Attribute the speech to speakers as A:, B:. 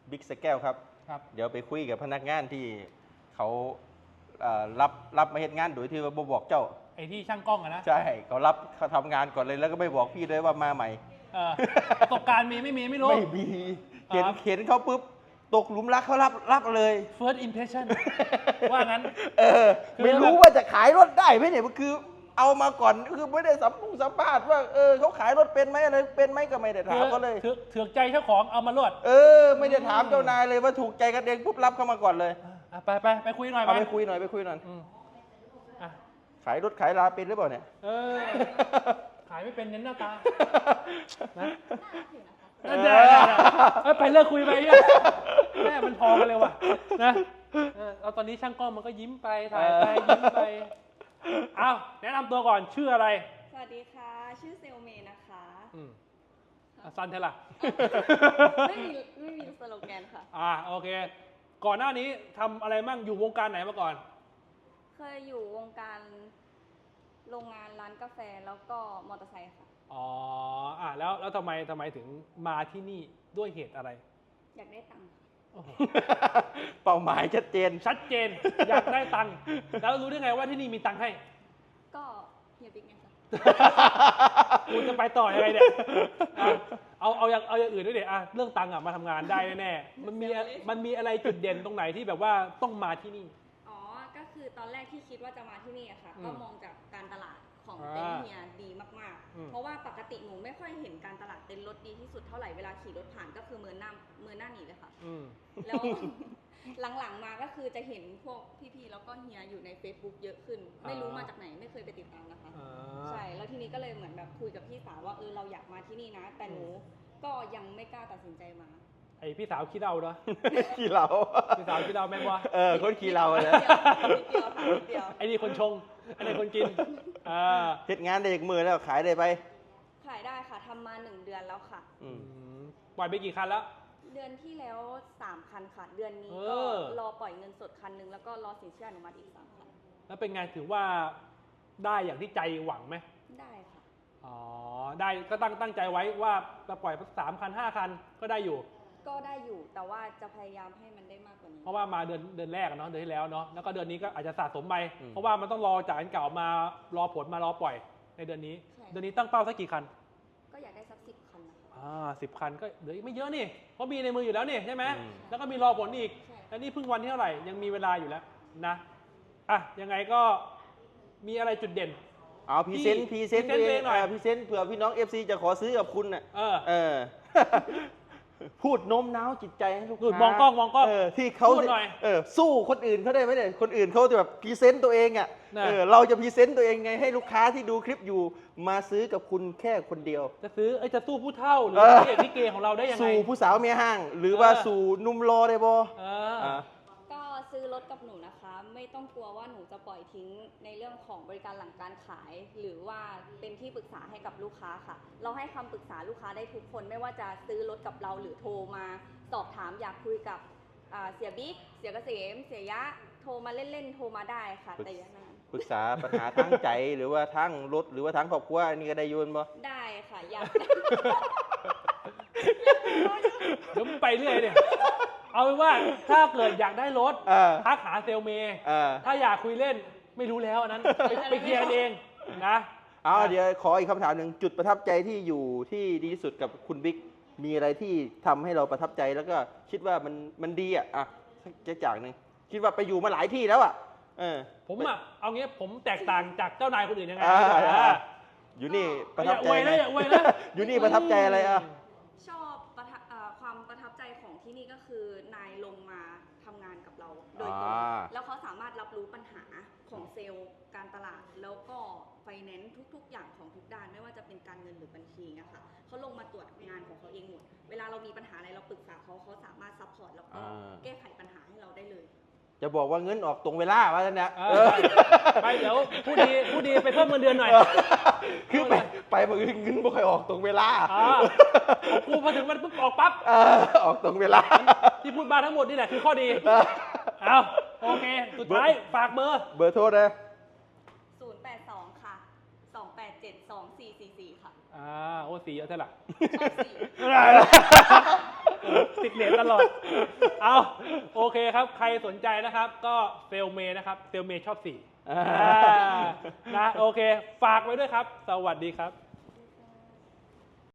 A: บิ๊กสแก้วครับ
B: ครับ
A: เดี๋ยวไปคุยกับพนักงานที่เขารับมาเฮ็ดงานโดยที่ว่าบ่บอกเจ้า
B: ไอ้ที่ช่างกล้องอะนะ
A: ใช่เขาทำงานก่อนเลยแล้วก็ไม่บอกพี่ด้วยว่ามาใหม่
B: ประสบการณ์มีไม่มีไม่รู้
A: ไม่มีเห็น
B: ครับ
A: เห็นเขาปุ๊บตกหลุมรักเขารับเลย
B: first impression ว่างั้น คือ
A: ไม่รู้ว่าจะขายรถได้ไหมเนี่ยมันคือเอามาก่อนคือไม่ได้สัมภาษณ์ว่าเขาขายรถเป็นไหมอะไรเป็นไหมก็ไม่ได้ถามเขาเลย
B: เถือกใจเจ้าของเอามาลวด
A: ไม่ได้ถามเจ้านายเลยว่าถูกใจกันเองปุ๊บรับเข้ามาก่อนเลย
B: ไปคุยหน่อย
A: เอาไปคุยหน่อย
B: อ่ะ
A: ขายรถขายลาเป็นหรือเปล่าเนี่ย
B: ขายไม่เป็นเน้นหน้าตานะไปเลิกคุยไปเนี่ยแม่มันพอกันเลยว่ะนะเอาตอนนี้ช่างกล้องมันก็ยิ้มไปถ่ายไปยิ้มไปเอาแนะนำตัวก่อนชื่ออะไร
C: สวัสดีค่ะ ชื่อเซลเมย์นะคะ
B: ซันเทล่ะ
C: ไม่มีสโลแกนค่ะ
B: โอเค ก่อนหน้านี้ทำอะไรมั่งอยู่วงการไหนมาก่อน
C: เคยอยู่วงการโรงงานร้านกาแฟแล้วก็มอเตอร์ไซค์ค่ะ
B: แล้วทำไมถึงมาที่นี่ด้วยเหตุอะไร
C: อยากได้ตังค์ค่ะ
B: โอ้โห
A: เป้าหมายชัดเจน
B: อยากได้ตังค์แล้วรู้ได้ไงว่าที่นี่มีตังค์ให้
C: ก็เฮียบิ๊กไงคะ
B: กูจะไปต่อยังไงเนี่ยเอาอย่างอื่นด้วยเดี๋ยวเรื่องตังค์มาทำงานได้แน่ๆมันมีอะไรจุดเด่นตรงไหนที่แบบว่าต้องมาที่นี่
C: อ๋อ ก็คือตอนแรกที่คิดว่าจะมาที่นี่อะค่ะ ก็มองจากการตลาดของ
B: อ่า
C: เต็นท์เฮียดีมาก
B: อืม
C: ๆ เพราะว่าปกติหนูไม่ค่อยเห็นการตลาดเต็นท์รถดีที่สุดเท่าไหร่เวลาขี่รถผ่านก็คือเมินหน้าหนีเลยค่ะ แล้ว หลังๆมาก็คือจะเห็นพวกพี่ๆแล้วก็เฮียอยู่ใน Facebook เยอะขึ้น ไม่รู้มาจากไหนไม่เคยไปติดตามนะคะ ใช่ แล้วทีนี้ก็เลยเหมือนแบบคุยกับพี่สาวว่าเราอยากมาที่นี่นะ แต่หนูก็ยังไม่กล้าตัดสินใจมา
B: ไอพี่สาวขี้เดาเนาะ
A: ขี่เรา
B: พี่สาวขี้เดาแม่งวะ
A: คนขี่เราเลย
C: นิดเดียวค่ะนิดเดียว
B: ไอ้นี่คนชงไอ้นี่คนกิน
A: เฮ็ดงานได้จากมือแล้วขายได้ไป
C: ขายได้ค่ะทำมา1 เดือนแล้วค่ะ
B: ปล่อยไปกี่คันแล้ว
C: เดือนที่แล้ว3 คันค่ะ เดือนนี้
B: เอ
C: ก็
B: อ
C: รอปล่อยเงินสดคันหนึงแล้วก็รอสินเชื่ออนุมัติอีก3 คัน
B: แล้วเป็นไงถือว่าได้อย่างที่ใจหวังไหม
C: ได้ค่ะ
B: ได้ก็ตั้งใจไว้ว่าจะปล่อย3 คัน 5 คันก็ได้อยู่
C: ก็ได้อยู่แต่ว่าจะพยายามให้มันได้มากกว่านี้
B: เพราะว่ามาเดือนแรกเนาะเดือนที่แล้วเนาะแล้วก็เดือนนี้ก็อาจจะสะสมไป
A: อืม
B: เพราะว่ามันต้องรอจากอันเก่ามารอผลมารอปล่อยในเดือนนี้
C: ใช่
B: เดือนนี้ตั้งเป้าสักกี่คัน
C: ก็อยากได้สัก10 คันนะคะ
B: 10 คันก็เหลืออีกไม่เยอะนี่เพราะมีในมืออยู่แล้วนี่ใช่ไหม
A: อืม
B: แล้วก็มีรอผลอีก
C: ใช่
B: แล้วนี่เพิ่งวันที่เท่าไหร่ยังมีเวลาอยู่แล้วนะยังไงก็มีอะไรจุดเด่น
A: เอาพรีเซนต์
B: พรีเซนต์ตัวเองหน่อย
A: พรีเซนต์เผื่อพี่น้อง FC จะขอซื้อกับคุณน่ะ
B: เออ
A: พูดโน้มน้าวจิตใจให้ลูก
B: นู่น
A: ค้าม
B: องกล้อง
A: ที่เขา
B: พูดหน่อย
A: สู้คนอื่นเขาได้ไหมเนี่ยคนอื่นเขาจะแบบพรีเซนต์ตัวเองอ่ะ
B: น่ะ
A: เราจะพรีเซนต์ตัวเองไงให้ลูกค้าที่ดูคลิปอยู่มาซื้อกับคุณแค่คนเดียว
B: จะสู้ผู้เท่าหรือ
A: เออ
B: พระเอกลิเกของเราได้ยังไง
A: สู่ผู้สาวเมียห้าง หรือว่า
B: เออ
A: สู่หนุ่มรอได้บ่
C: ก็ซื้อรถกับหนูนะคะ ไม่ต้องกลัวว่าหนูจะปล่อยทิ้งในเรื่องของบริการหลังการขาย หรือว่าเป็นที่ปรึกษาให้กับลูกค้าค่ะ เราให้คำปรึกษาลูกค้าได้ทุกคนไม่ว่าจะซื้อรถกับเราหรือโทรมาสอบถามอยากคุยกับเสียบิ๊กเสียเกษมเสียยะโทรมาเล่นๆโทรมาได้ค่ะ แต่อย่านาน
A: ปรึกษาปัญหาทั้งใจหรือว่าทั้งรถหรือว่าทั้งครอบครัวอันนี้ก็ได้โยนบ่
C: ได้ค่ะอยาก
B: เดี๋ยวมึงไปเรื่อยเนี่ยเอาเป็นว่าถ้าเกิดอยากได้รถ ทักหาเซลเมย์ ถ้าอยากคุยเล่นไม่รู้แล้วอันนั้นไปเคลียร์กันเองนะ
A: เดี๋ยวขออีกคำถามหนึ่งจุดประทับใจที่อยู่ที่ดีที่สุดกับคุณบิ๊กมีอะไรที่ทำให้เราประทับใจแล้วก็คิดว่ามันดีสักอย่างหนึ่งคิดว่าไปอยู่มาหลายที่แล้ว
B: ผมเอางี้ผมแตกต่างจากเจ้านายคนอื่นยังไง
A: อยู่นี่ประทับใจ
B: อย่าอวยนะ
A: อยู่นี่ประทับใจอะไร
C: ชอบความประทับใจของที่นี่ก็คือนายลงมาทำงานกับเราโดยตรงแล้วเขาสามารถรับรู้ปัญหาของเซลล์การตลาด แล้วก็ไฟแนนซ์ทุกๆ อย่างของทุกด้านไม่ว่าจะเป็นการเงินหรือบัญชีนะคะเขาลงมาตรวจงานของเขาเองหมดเวลาเรามีปัญหาอะไรเราปรึกษาเขาสามารถซัพพอร์ตแล้วก็แก้ไขปัญหาให้เราได้เลย
A: จะบอกว่าเงินออกตรงเวลาว่าเนี่ย
B: ไปเดี๋ยวผู้ดีไปเพิ่มเงินเดือนหน่อย
A: คือไปมือเงินไม่ค่อยออกตรงเวลา
B: กูพอถึงมันปุ๊บออกปั๊บ
A: ออกตรงเวลา
B: ที่พูดมาทั้งหมดนี่แหละคือข้อดีโอเคสุดท้ายฝากเบอร์
A: โทรนะ
C: 082 ค่ะ 287 2444 ค่ะ
B: โอ้สีเยอะเท่าไหร่
C: ชอบสี
B: โติดเน็ตตลอดเอาโอเคครับใครสนใจนะครับก็เซลเมนะครับเซลเมชอบ4นะโอเคฝากไว้ด้วยครับสวัสดีครับ